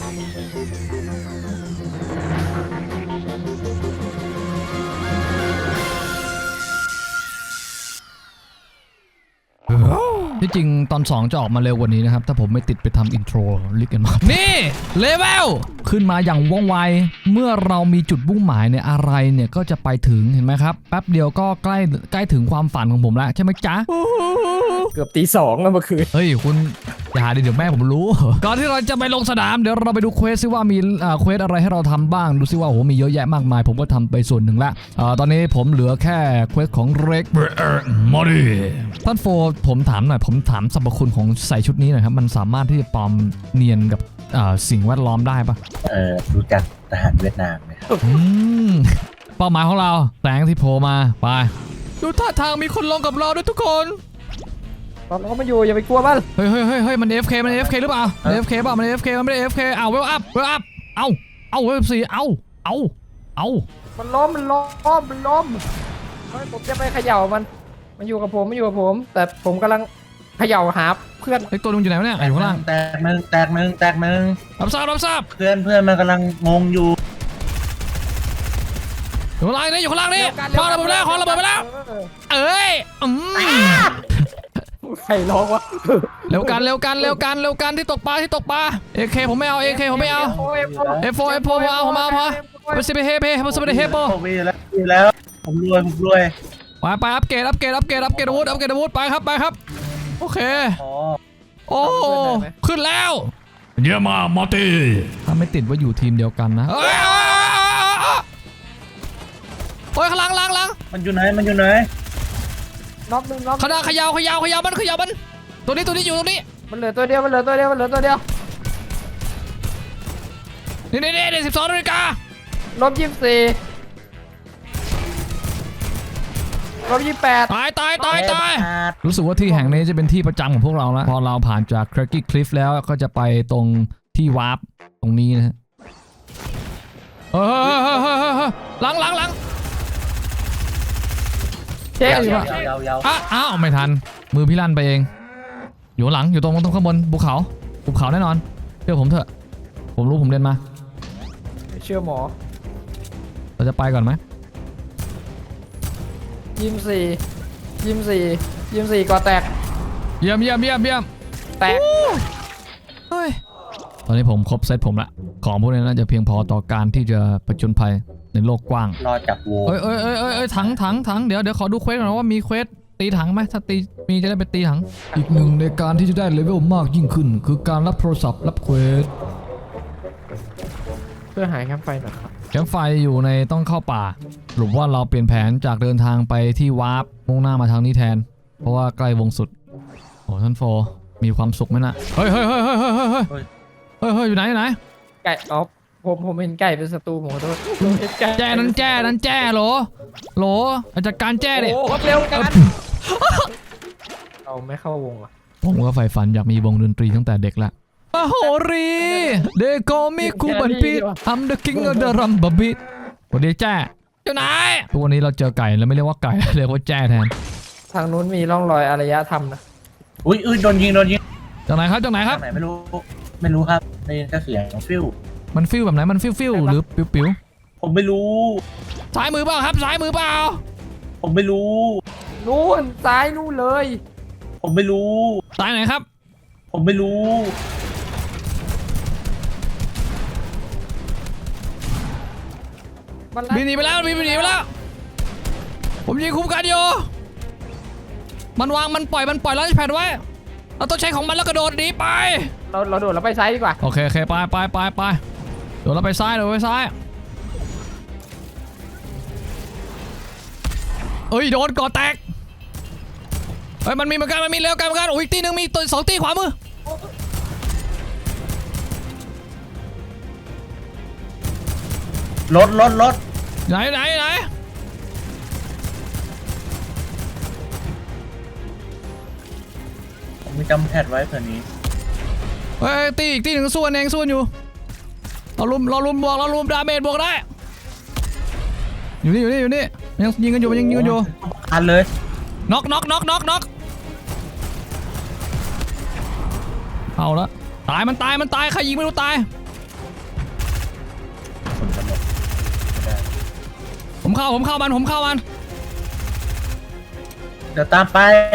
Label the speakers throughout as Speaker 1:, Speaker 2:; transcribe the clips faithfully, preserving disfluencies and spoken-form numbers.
Speaker 1: ที่จริงตอนสองจะออกมาเร็วกว่านี้นะครับถ้าผมไม่ติดไปทำอินโทรลิกกันมานี่เลเวลขึ้นมาอย่างว่องไวเมื่อเรามีจุดมุ่งหมายเนี่ยอะไรเนี่ยก็จะไปถึงเห็นไหมครับแป๊บเดียวก็ใกล้ใกล้ถึงความฝันของผมแล้วใช่ไหมจ๊ะ
Speaker 2: เกือบตีสองแล้วเมื่อคืน
Speaker 1: เฮ้ยคุณอย่าดิเดี๋ยวแม่ผมรู้ก่อนที่เราจะไปลงสนามเดี๋ยวเราไปดูเควสซิว่ามีเควสอะไรให้เราทำบ้างดูซิว่าโอ้โหมีเยอะแยะมากมายผมก็ทำไปส่วนหนึ่งละตอนนี้ผมเหลือแค่เควสของเร็กมอดี้ท่านโฟผมถามหน่อยผมถามสรรพคุณของใส่ชุดนี้หน่อยครับมันสามารถที่จะปลอมเนียนกับสิ่งแวดล้อมได้ปะ
Speaker 3: เออรู้จักทหารเวียดนามไหมครับ
Speaker 1: เป้าหมายของเราแสงที่โผล่มาไปดูท่าทางมีคนลงกับเราด้วยทุกคน
Speaker 2: ตอนเราไม่อยู่อย่าไปกลัวมัน
Speaker 1: เฮ้ยเฮ้ยเฮ้ยเฮ้ยมัน เอฟ เค มัน เอฟ เค หรือเปล่า เอฟ เค เปล่ามัน เอฟ เค มันไม่ได้ เอฟ เค เอาเวลอัพเวลอัพเอาเอาเวลสี่เอาเอาเอา
Speaker 2: มันล้มมันล้มมันล้มเฮ้ยผมจะไปเขย่ามันมันอยู่กับผมมันอยู่กับผมแต่ผมกำลังเขย่าหาเพื่อน
Speaker 1: ไอ้ตัวนึงอยู่ไหนวะเนี่ยอยู่ข้างล่าง
Speaker 3: แตกมึงแตกมึงแตกมึง
Speaker 1: รับทราบรับทราบ
Speaker 3: เพื่อนเพื่อนมันกำลังงงอยู่
Speaker 1: อยู่ข้างล่างนี่อยู่ข้างล่างนี่พอระเบิดไปแล้วขอระเบิดไปแล้วเอ้ยอืม
Speaker 2: ใครร้องวะ
Speaker 1: เร็วกันเร็วกันเร็วกันเร็วกันที่ตกปลาที่ตกปลา เอ เค ผมไม่เอา เอ เค ผมไม่เอา เอฟ โฟ เอฟ โฟ ผมเอาผมเอาพอไปสิไปเฮไปไปสิไปเฮโป
Speaker 3: ผมมีแล้วมีแล้วผมรวยผมรวย
Speaker 1: ไปไปอัปเกรดอัปเกรดอัปเกรดอัปเกรดอาวุธอัปเกรดอาวุธไปครับไปครับโอเคโอ้ขึ้นแล้วเยี่ยมมากมอร์ตี้ถ้าไม่ติดว่าอยู่ทีมเดียวกันนะโอ้ยข้างหลังหลังหลัง
Speaker 3: มันอยู่ไหนมันอยู่ไหน
Speaker 2: น็อกหนึ่งน็อก
Speaker 1: ขนาดขยาวขยาวขยาวมันขยาวมันตัวนี้ตัวนี้อยู่ตรงนี้
Speaker 2: มันเหลือตัวเดียวมันเหลือตัวเดียวมันเหลือตัวเดียว
Speaker 1: นี่นี่นี่สิบสองนาฬิกา
Speaker 2: ลบยี่สิบสี่ลบยี่สิบแปด
Speaker 1: ตายตายตายตายรู้สึกว่าที่แห่งนี้จะเป็นที่ประจำของพวกเราแล้วพอเราผ่านจาก Cracky Cliff แล้วก็จะไปตรงที่วาร์ปตรงนี้นะฮะเฮ้ยหลังหลังหลัง
Speaker 2: เจ๊อยู่
Speaker 1: อ่ะอ้าวไม่ทันมือพี่ลั่นไปเองอยู่หลังอยู่ตรงตรงข้างบนภูเขาภูเขาแน่นอนเชื่อผมเถอะผมรู้ผมเรียนมา
Speaker 2: เชื่อหมอ
Speaker 1: เราจะไปก่อนไหม
Speaker 2: ยิมสี่ยิมสี่ยิมสี่ก่อแตก
Speaker 1: เยี่ยมเยี่ยมเยี่ยมเยี่ยม
Speaker 2: แตก
Speaker 1: เฮ้ยตอนนี้ผมครบเซตผมละของพวกนี้น่าจะเพียงพอต่อการที่จะผจญภัยในโลกกว้าง
Speaker 3: รอจับวัว
Speaker 1: เอ้ยเอ้ยเอ้ยเอ้ยถังถังถังเดี๋ยวเดี๋ยวขอดูเควสก่อนว่ามีเควสตีถังไหมถ้าตีมีจะได้ไปตีถังอีกหนึ่งในการที่จะได้เลเวลมากยิ่งขึ้นคือการรับโทรศัพท์รับเควส
Speaker 2: เพื่อหายแคมป์ไฟหน่อยครับ
Speaker 1: แคมป์ไฟอยู่ในต้องเข้าป่าหรือว่าเราเปลี่ยนแผนจากเดินทางไปที่วาร์ปมุ่งหน้ามาทางนี้แทนเพราะว่าใกล้วงสุดโอ้ท่านโฟมีความสุขไหมนะเฮ้ยเฮ้ยเฮ้ยเฮ้ยเฮ้ยเฮ้ยเฮ้ยเฮ้ยอยู่ไหนอยู่ไหน
Speaker 2: ไก่อ๋อผมผมเห็นไก่เป็นศัตรูผมขอโทษ
Speaker 1: แจ้นั้นแจ้นั้นแจ้โหลโหลจัดการแจ้ดิ
Speaker 2: โอ้เร็วกันเราไม่เข้าวงอ่ะ
Speaker 1: ผมก็ใฝ่ฝันอยากมีวงดนตรีตั้งแต่เด็กละมโหรีเดโกมิคูบันปีทำเดอะคิงออฟเดอะรัมบับบิทวันนี้แจ้อยู่ไหนทุกวันนี้เราเจอไก่แล้วไม่เรียกว่าไก่เรียกว่าแจ้แทน
Speaker 2: ทางนู้นมีร่องรอยอารยธรรมนะ
Speaker 3: อุ้ยอุ้ยโดนยิงโดนยิง
Speaker 1: จากไหนครับจากไหนครับ
Speaker 3: ไหนไม่รู้ไม่รู้ครับได้ยินแค่เสียงฟิว
Speaker 1: มันฟิวแบบไหนมันฟิวฟิวหรือปิวปิว
Speaker 3: ผมไม่รู้
Speaker 1: ซ้ายมือเปล่าครับซ้ายมือเปล่า
Speaker 3: ผมไม่รู้
Speaker 2: นู่นซ้ายนู่นเลย
Speaker 3: ผมไม่รู้
Speaker 1: ซ้ายไหนครับ
Speaker 3: ผมไม่รู้
Speaker 1: บินหนีไปแล้วบินหนีไปแล้วผมยิงคุ้มกันอยู่มันวางมันปล่อยมันปล่อยแล้วแผ่นไว้เราต้องใช้ของมันแล้วกระโดดหนีไป
Speaker 2: เราเราโดดแล้วไปซ้ายดีกว่า
Speaker 1: โอเคโอเคไปไปไปไปโดดแล้วไปซ้ายโดดไปซ้ายเอ้ยโดนก่อแตกเฮ้ยมันมีเหมือนกันมันมีเร็วกันเหมือนกันโอ้ยตีหนึ่งมีตัวสองตีขวามือ
Speaker 3: รถรถรถ
Speaker 1: ไหนไหนไหน
Speaker 3: ผมมีจำแพทไว้เผื่อนี้
Speaker 1: เฮ้ยตีอีกตีหนึ่งส่วนเองส่วนอยู่เราลุมเราลุมบวกเราลุมดาเมจบวกได้อยู่นี่อยู่นี่อยู่นี่ยังยิงกันอยู่ยังยิงกันอยู่
Speaker 3: อันเลย
Speaker 1: น็อกน็อกน็อกน็อกน็อกเอาละตายมันตายมันตายใครยิงไม่รู้ตายผมเข้าผมเข้ามันผมเข้ามัน
Speaker 3: เดี๋ยวตามไป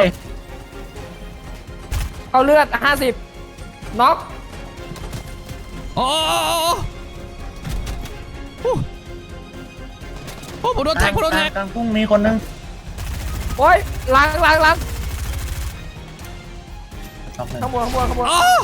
Speaker 2: เอาเลือดห้าสิบน็อก
Speaker 1: โอ้โอ้โอ้โอ้โอ้ผมโดนแท็กผมโดนแท็ก
Speaker 3: กลางกุ้งมีคนนึง
Speaker 2: โอ้ยล้างล้างล้าง
Speaker 3: น็อกหนึ่ง
Speaker 2: ข้างบนข้างบนข้างบน
Speaker 1: อ้าว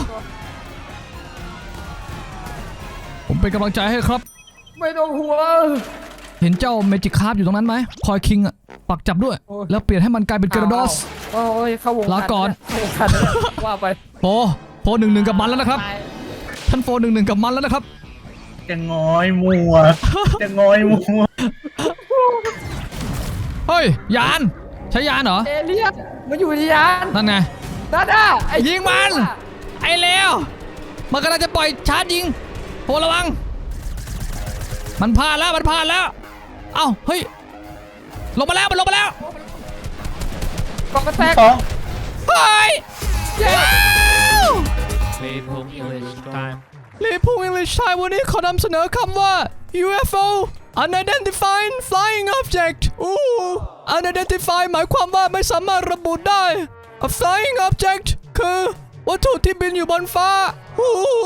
Speaker 1: ผมเป็นกำลังใจให้ครับ
Speaker 2: ไม่ต้องห่วง
Speaker 1: เห็นเจ้าเมจิคาร์ฟอยู่ตรงนั้นไหมคอยคิงอ่ะปักจับด้วย
Speaker 2: โอ้ย
Speaker 1: แล้วเปลี่ยนให้มันกลายเป็นเกราดอส
Speaker 2: โอ้ยเข้าวง
Speaker 1: ลาก่อน
Speaker 2: เข้าวงการว่าไป
Speaker 1: โฟโฟหนึ่งหนึ่งกับมันแล้วนะครับ ท่านโฟหนึ่งหนึ่งกับมันแล้วนะครับ
Speaker 3: จะงอยมัว จะงอยมัว
Speaker 1: เฮ้ยยานใช้ยานเหรอ
Speaker 2: เอเลี่ยนมันอยู่ที่ยาน
Speaker 1: นั่นไง
Speaker 2: นั่นน่ะไอ้
Speaker 1: ยิงมัน ไอ้เลวมันกำลังจะปล่อยชาร์จยิงโฟระวังมันพลาดแล้วมันพลาดแล้วเอ้าเฮ้ยลงมาแล้วมันลงมาแล้ว
Speaker 2: กองกระแตก
Speaker 3: สอง
Speaker 1: เฮ้ย
Speaker 2: เย้
Speaker 4: Play Pong English time.
Speaker 1: ลีพูอังกฤษไทยวันนี้ขอนำเสนอคำว่า ยู เอฟ โอ Unidentified Flying Object อู้ Unidentified หมายความว่าไม่สามารถระบุได้ A Flying Object คือวัตถุที่บินอยู่บนฟ้าอู้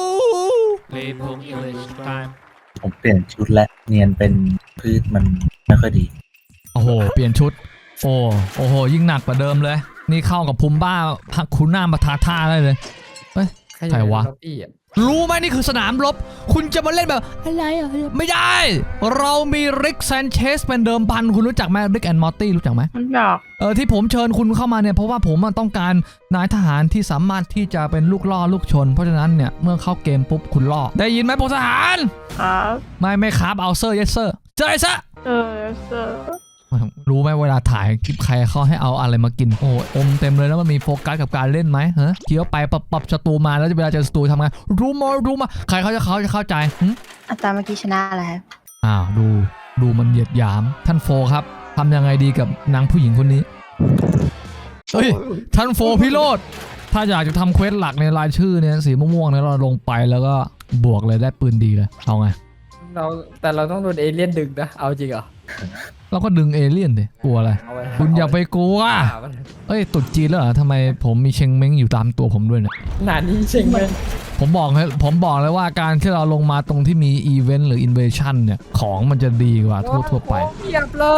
Speaker 4: Play Pong English time.
Speaker 3: ผมเปลี่ยนชุดและเนียนเป็นพืชมันไม่ค่อยดี
Speaker 1: โอ้โห เปลี่ยนชุด โอ้โอ้โห ยิ่งหนักกว่าเดิมเลย นี่เข้ากับภูมิบ้าพักคุณหน้ามาทาท่าได้เลยเฮ้ย ใครวะ
Speaker 2: พี่อะ
Speaker 1: รู้ไหมนี่คือสนามรบ คุณจะมาเล่นแบบอะไรอ่ะไม่ได้ เรามีริกแซนเชสเป็นเดิมพันคุณรู้จักไหมริกแอนด์มอร์ตี้รู้จักไหม
Speaker 2: มันอยาก
Speaker 1: เออที่ผมเชิญคุณเข้ามาเนี่ยเพราะว่าผมต้องการนายทหารที่สามารถที่จะเป็นลูกล่อลูกชน เพราะฉะนั้นเนี่ยเมื่อเข้าเกมปุ๊บคุณล่อได้ยินไหมพลทหาร
Speaker 5: ครับ
Speaker 1: ไม่ไม่ครับเอาเซอร์เยสเซอร์เจอไอ้ซะ
Speaker 5: เออเซอร์
Speaker 1: รู้ไหมเวลาถ่ายคลิปใครเขาให้เอาอะไรมากินโอ้อมเต็มเลยแล้วมันมีโฟกัสกับการเล่นไหมเฮ้ยเคี้ยวไปปรับปรับศัตรูมาแล้วเวลาเจอศัตรูทำไงรู้มารู้มาใครเขาจะเขาจะเข้าใจหึ
Speaker 5: อัตราเมื่อกี้ชนะอะไรครับ
Speaker 1: อ้าวดูดูมันเหยียดหยามท่านโฟครับทำยังไงดีกับนางผู้หญิงคนนี้เฮ้ยท่านโฟพิโรธถ้าอยากจะทำเควสหลักในรายชื่อเนี่ยสีม่วงๆเนี่ยเราลงไปแล้วก็บวกเลยได้ปืนดีเลยเอาไง
Speaker 2: เราแต่เราต้องโดนเอเลี่ยนดึงนะเอาจริงเหรอ
Speaker 1: เราก็ดึงเอเลี่ยนดิกลัวอะไร
Speaker 2: เอาไว้
Speaker 1: คุณอย่าไปกลัว
Speaker 2: เอาไว้
Speaker 1: เอ้ยตุดจีนแล้วเหรอทำไมผมมีเชงเม้งอยู่ตามตัวผมด้วยเนี่ย
Speaker 2: หนานี้จริงเลย
Speaker 1: ผมบอกให้ผมบอกเลยว่าการที่เราลงมาตรงที่มีอีเวนต์หรืออินเวชั่นเนี่ยของมันจะดีกว่าทั่วๆไป
Speaker 2: โอ้เพียบเลย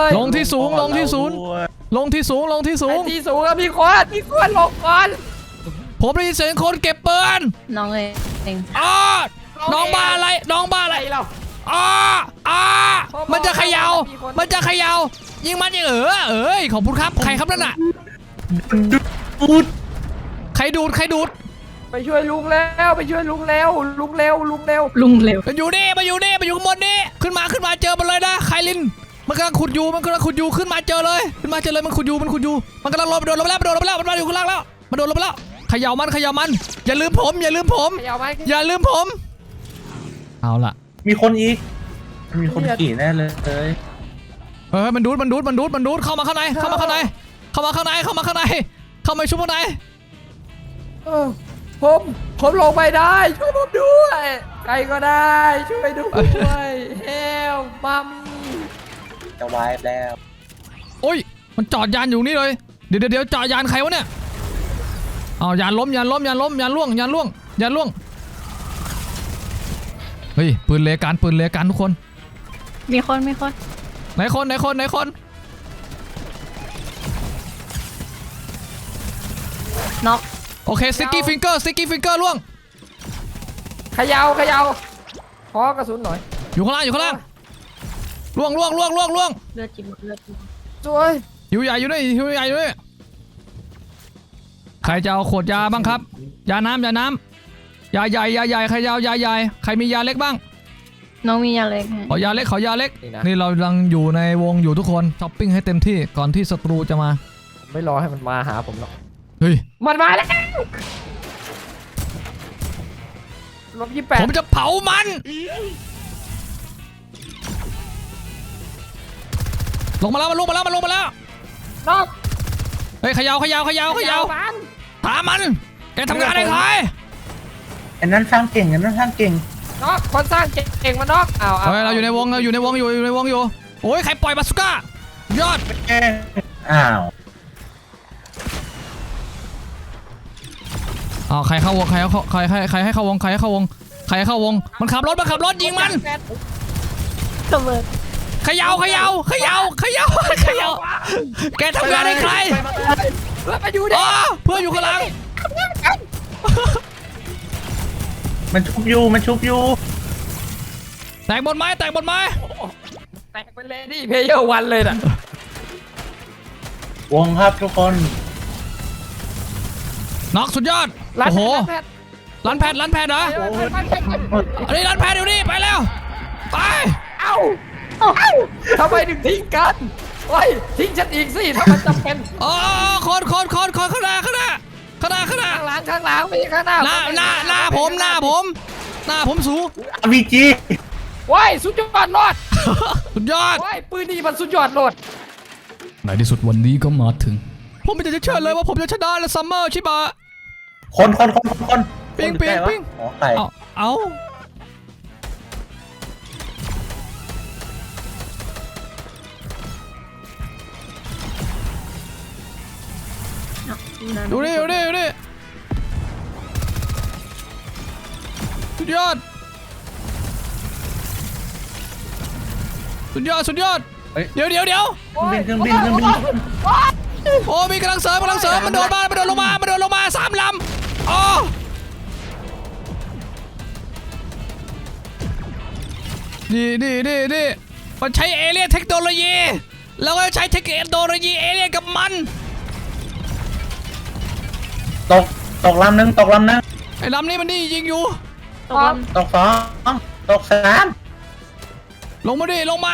Speaker 1: ลงที่สูงลงที่สูงลงที่สูงลงที่สู
Speaker 2: ไอ้
Speaker 1: ง
Speaker 2: ที่สูงอะพี่โควดพี่โควดลงก่อน
Speaker 1: ผมได้ยินเสียงคนเก็บปืน
Speaker 5: น้องเองเอง
Speaker 1: อ้าน้องบ้าอะไรน้องบ้าอะไร
Speaker 2: อะไรเรา
Speaker 1: อ้าอ้ามันจะเขย่ามันจะเขย่ายิงมันยิงเออเอ้ยขอบคุณครับใครครับนั่นน่ะ
Speaker 3: พูด
Speaker 1: ใครดูดใครดูด
Speaker 2: ไปช่วยลุงแล้วไปช่วยลุงแล้วลุงเร็วลุงเร็ว
Speaker 5: ลุงเร็ว
Speaker 1: มันอยู่นี่มันอยู่นี่มันอยู่ข้างบนนี่ขึ้นมาขึ้นมาเจอมันเลยนะไคลินมันกำลังขุดอยู่มันกำลังขุดอยู่ขึ้นมาเจอเลยขึ้นมาเจอเลยมันขุดอยู่มันขุดอยู่มันกำลังลงไปโดนลงไปแล้วมันโดนลงไปแล้วมันมาอยู่ข้างล่างแล้วมันโดนลงไปแล้วเขย่ามันเขย่ามันอย่าลืมผมอย่าลืมผม
Speaker 2: เขย่าไหม
Speaker 1: อย่าลืมผมเอาล่ะ
Speaker 3: มีคนอีก มีคนขี่แน่เลย
Speaker 1: เฮ้ยมันดูดมันดูดมันดูดมันดูดเข้ามาข้างในเข้ามาข้างในเข้ามาข้างในเข้ามาข้างในเข้ามาชุบข้างใน
Speaker 2: เออผมผมลงไปได้ช่วยผมด้วยใครก็ได้ช่วยด้วยเฮลมัม
Speaker 3: จะวายแล้ว
Speaker 1: โอ้ยมันจอดยานอยู่นี่เลยเดี๋ยวเดี๋ยวเดี๋ยวจอดยานใครวะเนี่ยเอายานล้มยานล้มยานล้มยานล่วงยานล่วงยานล่วงเฮ้ยปืนเลกันปืนเลกันทุกคน
Speaker 5: มีคนมีคน
Speaker 1: ไหนคนไหนคนไหนคน
Speaker 5: น็อก
Speaker 1: โอเคสติ๊กกี้ฟิงเกอร์สติ๊กกี้ฟิงเกอร์ล่วง
Speaker 2: เขย่าเขย่าขอกระสุนหน่อย
Speaker 1: อยู่ข้างล่างอยู่ข้างล่างล่วงล่วงล่วงล่วงล่วง
Speaker 5: เลือดจิบเลือดจิบ
Speaker 2: สวย
Speaker 1: หิวใหญ่อยู่นี่หิวใหญ่อยู่นี่ใครจะเอาขวดยาบ้างครับยาน้ำยาน้ำยาใหญ่ยาใหญ่ใครจะเอายาใหญ่ใครมียาเล็กบ้าง
Speaker 5: น้องมียาเล็ก
Speaker 1: ขอยาเล็กขอยาเล็กนี่เรากำลังอยู่ในวงอยู่ทุกคนช้อปปิ้งให้เต็มที่ก่อนที่ศัตรูจะมา
Speaker 2: ผมไม่รอให้มันมาหาผมหรอก
Speaker 1: เฮ้ย
Speaker 2: มันมาแล้วลบยี่แปด
Speaker 1: ผมจะเผามันลงมาแล้วมันลงมาแล้วมันลงมาแล้ว
Speaker 2: นอก
Speaker 1: เฮ้ยเขยาวขยาวขยาวขยาว
Speaker 2: มัน
Speaker 1: ถามมันแกทำงานได้ใคร
Speaker 3: อันนั้นสร้างเก่งอันนั้นสร้างเก่ง
Speaker 2: นอกคนสร้างเก่งมานอกอ้าว
Speaker 1: เฮ้ยเราอยู่ในวงเราอยู่ในวงอยู่อยู่ในวงอยู่โอ้ยใครปล่อยบาสุก้า ยอด
Speaker 3: อ้าว
Speaker 1: อ๋อใครเข้าวงใครเข้าใครใครใครให้เข้าวงใครให้เข้าวงใครให้เข้าวงมันขับรถมันขับรถยิงมัน
Speaker 5: ระเบิด
Speaker 1: เขย่าเขย่าเขย่าเขย่าเขย่าแกทำงานให้ใคร
Speaker 2: แล้วมาอยู่ดิ
Speaker 1: อ๋อเพื่อนอยู่ข้างหลัง
Speaker 3: มันชุบอยู่มันชุบอยู่
Speaker 1: แตกหมดไหมแตกหมดไหม
Speaker 2: แตกเป็นเลดี้เพลเยอร์วันเลยน่ะ
Speaker 3: วงครับทุกคน
Speaker 1: น็อกสุดยอด
Speaker 2: ร้าน
Speaker 1: โอ้โห
Speaker 2: แพท
Speaker 1: ร้านแพทร้านแพทเหรอ
Speaker 2: ร้านแพทร้านแพท
Speaker 1: อันนี้ร้านแพทเดี๋ยวนี้ไปแล้วไป
Speaker 2: เอ้าเอ้าทำไมถึงทิ้งกันโอ้ยทิ้งฉันอีกสิถ้ามันจำเป็น
Speaker 1: อ๋อคนคนคนคนข้างหน้าข้างหน้าข้างหน้าข้างหน้า
Speaker 2: ข้างหลังข้างหลังไม่ใช่ข้างหน้า
Speaker 1: หน้าหน้าหน้าผมหน้าผมหน้าผมสู
Speaker 3: อาร์พีจี
Speaker 2: ว้ายสุดยอดโลด
Speaker 1: สุดยอด
Speaker 2: ว้ายปืนนี่มันสุดยอดโลด
Speaker 1: ในที่สุดวันนี้ก็มาถึง ผมไม่อยากจะเชื่อเลยว่าผมจะชนะและซัมเมอร์ชิบะ
Speaker 3: คนคนคนคนคน
Speaker 1: ปิ๊ง
Speaker 3: คนอยู่ใกล้วะ
Speaker 1: ปิ๊ง
Speaker 3: อ๋อไก่
Speaker 1: เอาเอา ดูดิดูดิดูดิสุดยอดสุดยอดสุดยอด
Speaker 3: เฮ้ย
Speaker 1: เดี๋ยวเดี๋ยวเดี๋ยว
Speaker 3: เครื่องบินเครื่องบินเครื่องบิน
Speaker 1: โอ้มีกำลังเสริมกำลังเสริมมันโดนมามันโดนลงมามันโดนลงมาสามลำอ๋อนี่นี่นี่นี่มันใช้เอเลี่ยนเทคโนโลยีแล้วก็ใช้เทคโนโลยีเอเลี่ยนกับมัน
Speaker 3: ตกตกลำหนึ่งตกลำหนึ่ง
Speaker 1: ไอ้ลำนี้มันนี่ยิงอยู่
Speaker 5: ตกลง
Speaker 3: ตกสองตกสาม
Speaker 1: ลงมาดิลงมา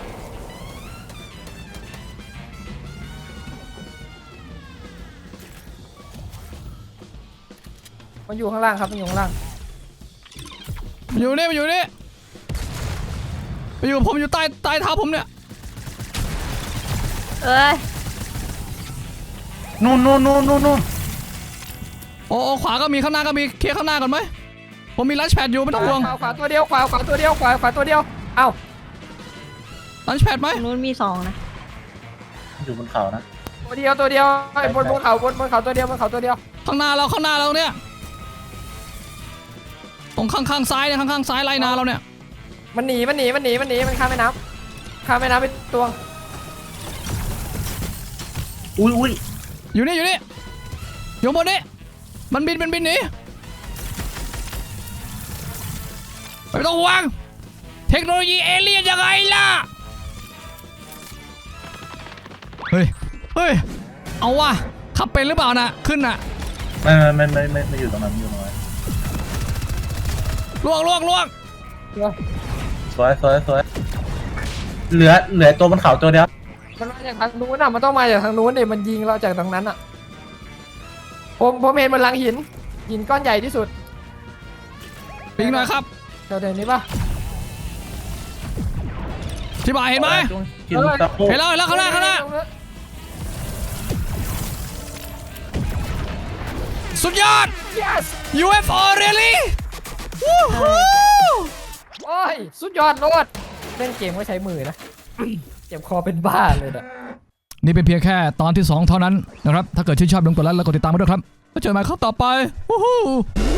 Speaker 2: มันอยู่ข้างล่างครับมันอยู่ข้างล่าง
Speaker 1: มาอยู่นี่มาอยู่นี่มาอยู่กับผมอยู่ใต้ใต้เท้าผมเนี่ย
Speaker 5: เอ้ย
Speaker 3: นู่นนู่นนู่นนู่นนู่น
Speaker 1: โอ้โอ้ขวาก็มีข้างหน้าก็มีเคลียร์ข้างหน้าก่อนไหมผมมีลันช์แพดอยู่ไม่ต้องห่วง
Speaker 2: ขวาขวาตัวเดียวขวาขวาตัวเดียวขวาขวาตัวเดียวเอ้า
Speaker 1: ลันช์แพดไหม
Speaker 5: ตรงนู้นมีสองนะ
Speaker 3: อยู่บนเขานะ
Speaker 2: ตัวเดียวตัวเดียวไอ้บนบนเขาบนบนเขาตัวเดียวบนเขาตัวเดียว
Speaker 1: ข้างหน้าเราข้างหน้าเราเนี่ยตรงข้างข้างซ้ายเนี่ยข้างข้างซ้ายไล่นาเราเนี่ย
Speaker 2: มันหนีมันหนีมันหนีมันหนีมันข้ามแม่น้ำข้ามแม่น้ำไปตวง
Speaker 3: อุ้ยอุ้ย
Speaker 1: อยู่นี่อยู่นี่อยู่บนนี้มันบินมันบินหนีไม่ต้องห่วงเทคโนโลยีเอเลี่ยนยังไงล่ะเฮ้ยเฮ้ยเอาว่ะขับเป็นหรือเปล่านะขึ้นน่ะ
Speaker 3: ไม่ไม่ไม่ไม่ไม่อยู่ตรงนั้นไม่อยู่ตรงนั้น
Speaker 1: ล่วงล่วงล่วง
Speaker 3: สวยสวยสวยเหลือเหลือตัวบนเขาตัวเดียว
Speaker 2: มันมาจากทางนู้นอ่ะมันต้องมาจากทางนู้นเดี๋ยมันยิงเราจากทางนั้นอ่ะผมผมเห็นมันหลังหินหินก้อนใหญ่ที่สุด
Speaker 1: ปิงหน่อยครับ
Speaker 2: เดี๋ยวเดี๋ยวนี้ปะ
Speaker 1: ที่บ่ายเห็นไหม
Speaker 3: กินตะโพก
Speaker 1: เห็นแล้วเห็นแล้วข้างหน้าข้างหน้าสุดยอด
Speaker 2: yes
Speaker 1: ยู เอฟ โอ really วู้ฮู้
Speaker 2: โอ้ยสุดยอดโลดเล่นเกมก็ใช้มือนะ เจ็บคอเป็นบ้าเลยนะ
Speaker 1: นี่เป็นเพียงแค่ตอนที่สองเท่านั้นนะครับถ้าเกิดชื่นชอบลงกดไลค์และกดติดตามมาด้วยครับแล้วเจอกันใหม่ครั้งต่อไปวู้ฮู้